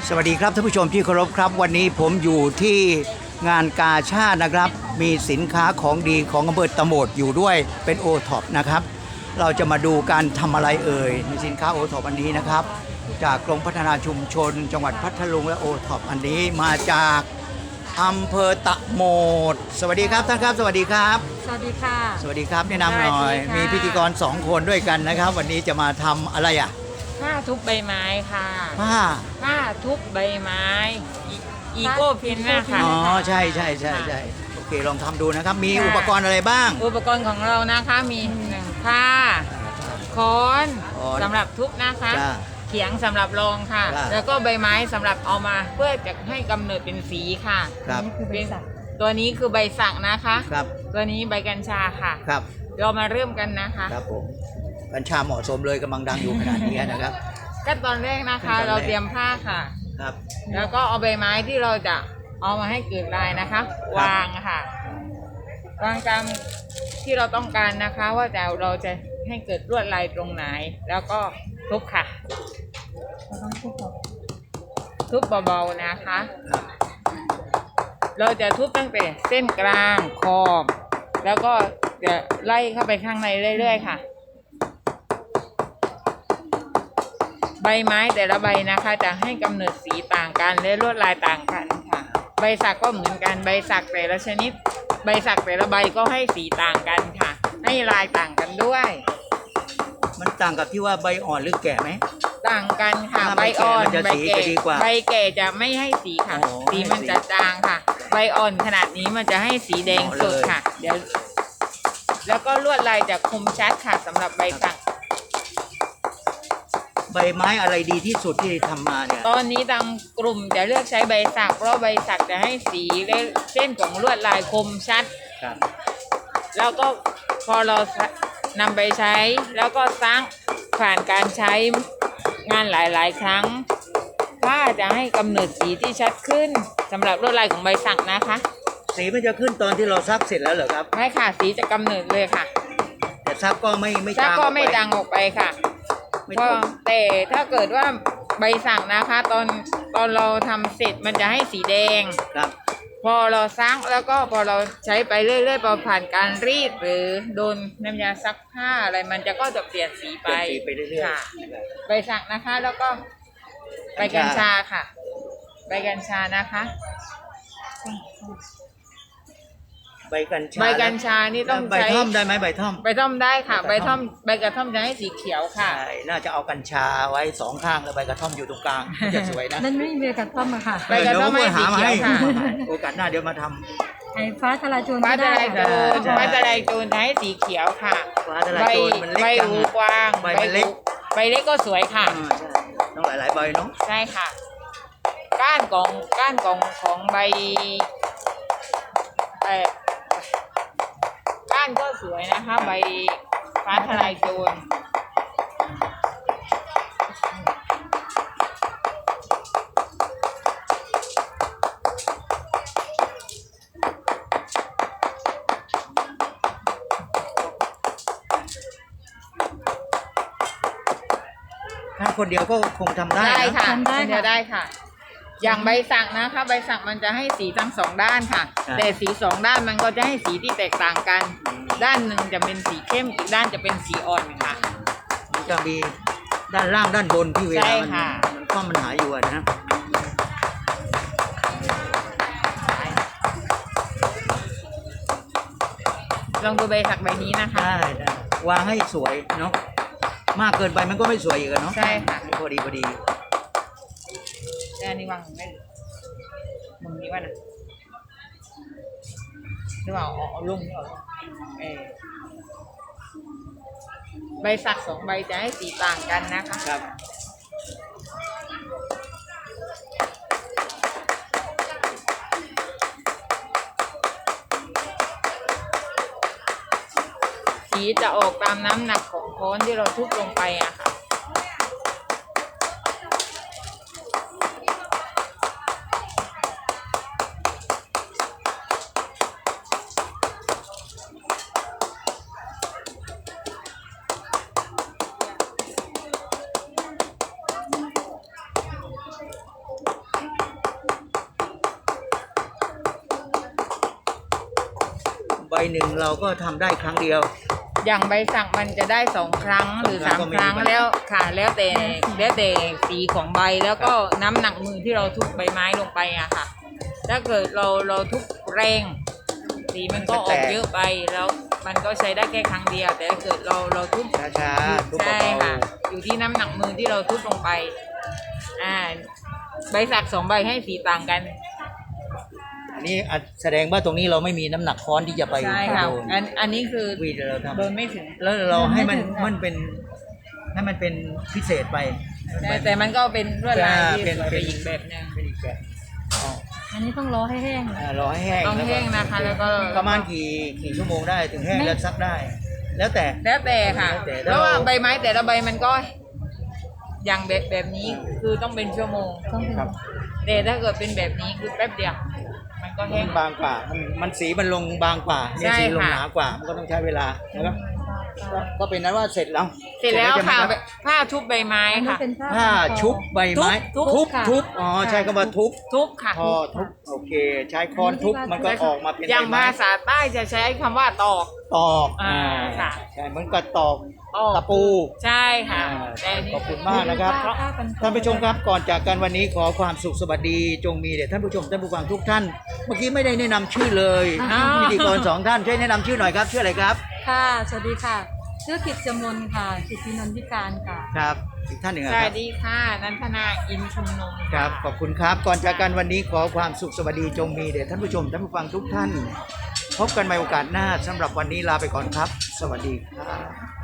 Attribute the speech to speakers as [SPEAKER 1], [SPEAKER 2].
[SPEAKER 1] สวัสดีครับท่านผู้ชมที่เคารพครับวันนี้ผมอยู่ที่งานกาชาดนะครับมีสินค้าของดีของอำเภอตะโหมดอยู่ด้วยเป็นโอท็อปนะครับเราจะมาดูการทำอะไรเอ่ยในสินค้าโอท็อปอันนี้นะครับจากกรมพัฒนาชุมชน จังหวัดพัทลุงและโอท็อปอันนี้มาจากอำเภอตะโหมดสวัสดีครับท่านครับสวัสดีครับ
[SPEAKER 2] สวัสดีค่ะ
[SPEAKER 1] สวัสดีครับแนะนำหน่อยมีพิธีกร2คนด้วยกันนะครับวันนี้จะมาทำอะไรอ่ะ
[SPEAKER 2] ผ้าทุบใบไม้ค่ะ
[SPEAKER 1] ผ้า
[SPEAKER 2] ทุบใบไม้อีโก้พินนะคะ
[SPEAKER 1] อ๋อใช่โอเคลองทำดูนะครับมีอุปกรณ์อะไรบ้าง
[SPEAKER 2] อุปกรณ์ของเรานะคะมีผ้าค้อนสำหรับทุบนะคะเขียงสำหรับรองค่ะแล้วก็ใบไม้สำหรับเอามาเพื่อจะให้กำเนิดเป็นสีค่ะตัวนี้คือใบสักนะคะตัวนี้ใบกัญชาค่ะเรามาเริ่มกันนะคะ
[SPEAKER 1] ครับผมกัญชาเหมาะสมเลยกำลังดังอยู่ขนาดนี้นะครับ
[SPEAKER 2] ขั้นตอนแรกนะคะเราเตรียมผ้าค่ะแล้วก็เอาใบไม้ที่เราจะเอามาให้เกิดลายนะคะวางค่ะวางตามที่เราต้องการนะคะว่าเราจะให้เกิดลวดลายตรงไหนแล้วก็ทุบค่ะทุบเบาๆนะคะเราจะทุบตั้งแต่เส้นกลางขอบแล้วก็จะไล่เข้าไปข้างในเรื่อยๆค่ะใบไม้แต่ละใบนะคะจะให้กำเนิดสีต่างกันและลวดลายต่างกันค่ะใบสักก็เหมือนกันใบสักแต่ละชนิดใบสักแต่ละใบก็ให้สีต่างกันค่ะให้ลายต่างกันด้วย
[SPEAKER 1] มันต่างกับที่ว่าใบอ่อนหรือแก่ไหม
[SPEAKER 2] ต่างกันค่ะใบอ่อนใบแก่ใบแก่จะไม่ให้สีค่ะสีมันจะจางค่ะใบอ่อนขนาดนี้มันจะให้สีแดงสดค่ะเดี๋ยวแล้วก็ลวดลายจะคมชัดค่ะสำหรับใบสัก
[SPEAKER 1] ใบไม้อะไรดีที่สุดที่ทำมาเนี่ย
[SPEAKER 2] ตอนนี้ทางกลุ่มจะเลือกใช้ใบสักเพราะใบสักจะให้สีและเส้นของลวดลายคมชัดแล้วก็พอเรานำไปใช้แล้วก็สร้างผ่านการใช้งานหลายๆครั้งผ้าจะให้กำเนิดสีที่ชัดขึ้นสำหรับลวดลายของใบสักนะคะ
[SPEAKER 1] สีมันจะขึ้นตอนที่เราซักเสร็จแล้วเหรอครับ
[SPEAKER 2] ไม่ค่ะสีจะกำเนิดเลยค่ะ
[SPEAKER 1] แต่ซักก็ไม่
[SPEAKER 2] จางออกไปค่ะแต่ถ้าเกิดว่าใบสักนะคะตอนเราทำเสร็จมันจะให้สีแดงพอเราซักแล้วก็พอเราใช้ไปเรื่อยๆพอผ่านการรีดหรือโดนน้ำยาซักผ้าอะไรมันก็จะเปลี่ยนสีไป
[SPEAKER 1] เรื่อย
[SPEAKER 2] ๆใบสักนะคะแล้วก็ใบกัญชาค่ะใบกัญชานะคะ
[SPEAKER 1] ใบกัญชา
[SPEAKER 2] นี่ต้อง
[SPEAKER 1] ใบท่อมได้ไหมใบท่อ
[SPEAKER 2] มได้ค่ะใบกระท่อมจะให้สีเขียวค่ะ
[SPEAKER 1] ใช่น่าจะเอากัญชาไว้2ข้างแล้วใบกระท่อมอยู่ตรงกลางจะสวยนะ
[SPEAKER 3] นั่นไม่มีใบกระท่อมอะค่ะ
[SPEAKER 2] ใบกระท่อมให้สีเขียวค่ะ
[SPEAKER 1] โอกาสหน้าเดี๋ยวมาทำ
[SPEAKER 3] ไอ้ฟ้าทลายโจร
[SPEAKER 2] ฟ้าทลายโจรให้สีเขียวค่ะใบหูกว้างใบเล็กก็สวยค่ะ
[SPEAKER 1] ต้องหลายใบเนาะ
[SPEAKER 2] ใช่ค่ะก้านของใบก้านก็สวยนะคะใบฟ้าทลายโจร
[SPEAKER 1] ถ้าคนเดียวก็คงทำได้
[SPEAKER 2] ค่ะได้ค่ะอย่างใบสักนะคะใบสักมันจะให้สีทั้ง2ด้านค่ะแต่สี2ด้านมันก็จะให้สีที่แตกต่างกันด้านหนึ่งจะเป็นสีเข้มอีกด้านจะเป็นสีอ่อนค่ะ
[SPEAKER 1] มันจะมีด้านล่างด้านบนที่เวลามันก็มันหาอยู่นะ
[SPEAKER 2] ลองดูใบสักใบนี้นะคะ
[SPEAKER 1] ได้วางให้สวยเนาะมากเกินไปมันก็ไม่สวยอีกเนาะ
[SPEAKER 2] ใช่ค่ะ
[SPEAKER 1] พอดี
[SPEAKER 2] อันนี้วางไม่มุมนี้ว่านะหรือเปล่าเอาลุ่มนี่ออกใบสัก2ใบจะให้สีต่างกันนะคะ
[SPEAKER 1] ครับ
[SPEAKER 2] สีจะออกตามน้ำหนักของค้อนที่เราทุบลงไปอะค่ะ
[SPEAKER 1] หนึ่งเราก็ทำได้ครั้งเดียว
[SPEAKER 2] อย่างใบสักมันจะได้2 ครั้งหรือ
[SPEAKER 1] 2
[SPEAKER 2] 3 ครั้งแล้วค่ะแล้วแต่สีของใบแล้วก็น้ำหนักมือที่เราทุบใบไม้ลงไปอะค่ะ ถ้าเกิดเราทุบแรงสีมันก็ออกเยอะไปแล้วมันก็ใช้ได้แค่ครั้งเดียว แต่ถ้าเกิดเราทุบ
[SPEAKER 1] ช้าๆทุบ
[SPEAKER 2] ใช่
[SPEAKER 1] เบา
[SPEAKER 2] ค่ะ อยู่ที่น้ำหนักมือที่เราทุบลงไปใบสัก2 ใบให้สีต่างกัน
[SPEAKER 1] ๆอันนี้แสดงว่าตรงนี้เราไม่มีน้ำหนักค้อนที่จะไป
[SPEAKER 2] ใช่ค่ะ
[SPEAKER 1] โดน
[SPEAKER 2] อันนี้คือ
[SPEAKER 1] วีดเราท
[SPEAKER 2] โดนไม่ถึง
[SPEAKER 1] ำแล้วเราให้มันเป็นให้มันเป็นพิเศษไป
[SPEAKER 2] แต่มันก็เป็นลวดลายที่
[SPEAKER 1] เป็น
[SPEAKER 2] สวยไปอีกแบบหนึง
[SPEAKER 1] เป็นอีกแบบอ๋อ
[SPEAKER 3] อันนี้ต้องรอให้แห้ง
[SPEAKER 1] รอให้แห้ง
[SPEAKER 2] ต้องแห้งนะคะแล้วก็
[SPEAKER 1] ประมาณกี่ชั่วโมงได้ถึงแห้งแล้วซักได้ แล้วแต่
[SPEAKER 2] แล้วแต่ค่ะ
[SPEAKER 1] แล้วแต่
[SPEAKER 2] เพราะว่าใบไม้แต่ละใบมันก็อย่างแบบนี้คือต้องเป็นชั่วโมง
[SPEAKER 3] ต้องเป็น
[SPEAKER 1] ครับ
[SPEAKER 2] แต่ถ้าเกิดเป็นแบบนี้คือแป๊บเดียวมันก็แห้ง
[SPEAKER 1] มันบางกว่ามันสีมันลงบางกว่าเนี่ย
[SPEAKER 2] ใช่
[SPEAKER 1] สีลง
[SPEAKER 2] ค่ะ
[SPEAKER 1] หนากว่ามันก็ต้องใช้เวลานะครับก็เป็นนั้นว่าเสร็จแล้ว
[SPEAKER 2] เสร็จแล้ว
[SPEAKER 1] ใช่ไหม
[SPEAKER 2] ค่ะ
[SPEAKER 1] รับ
[SPEAKER 2] ผ้าทุบใบไม้
[SPEAKER 3] อันนี้
[SPEAKER 2] ค่ะ
[SPEAKER 3] เป็น
[SPEAKER 1] ผ้าชุบใบไม้
[SPEAKER 2] ทุบ
[SPEAKER 3] ค่ะ
[SPEAKER 1] ทุบอ๋อใช่คำว่าทุบ
[SPEAKER 2] ทุบค่ะ
[SPEAKER 1] พอทุบโอเค ใช้ค้อนทุบมันก็ออกมาเป็น
[SPEAKER 2] อย่าง
[SPEAKER 1] ใบไม้
[SPEAKER 2] ภาษาใต้จะใช้คำว่าตอก
[SPEAKER 1] ตอก
[SPEAKER 2] ค่ะ
[SPEAKER 1] ใช่เหมือนกับตอก
[SPEAKER 2] ตอก
[SPEAKER 1] ตะปู
[SPEAKER 2] ใช่ค่ะ
[SPEAKER 1] อ่า
[SPEAKER 2] แต่นนี้
[SPEAKER 1] ขอบคุณมากนะครับ
[SPEAKER 3] ผ้กัน
[SPEAKER 1] ท่านผู้ชมครับก่อนจากกันวันนี้ขอความสุขสวัสดีจงมีแด่ท่านผู้ชมท่านผู้ฟังทุกท่าน เมื่อกี้ไม่ได้แนะนำชื่อเลย
[SPEAKER 2] อ้าว
[SPEAKER 1] พิธีกร2 ท่านช่วยแนะนำชื่อหน่อยครับชื่ออะไรครับ
[SPEAKER 3] ค่ะ สวัสดีค่ะ ชื่อกิจจมนค่ะ กิจพินนทิการค่ะ
[SPEAKER 1] ครับอีกท่านหนึ่ง
[SPEAKER 2] ส
[SPEAKER 1] อะค
[SPEAKER 2] วั
[SPEAKER 1] รั
[SPEAKER 2] ส
[SPEAKER 1] บ
[SPEAKER 2] ดีค่ะนันทนาอินชุมนุม
[SPEAKER 1] ครับขอบคุณครับก่อนจากกันวันนี้ขอความสุขสวัสดีจงมีแด่ท่านผู้ชมท่านผู้ฟังทุกท่าน พบกันใหม่โอกาสหน้าสำหรับวันนี้ลาไปก่อนครับ สวัสดีครับ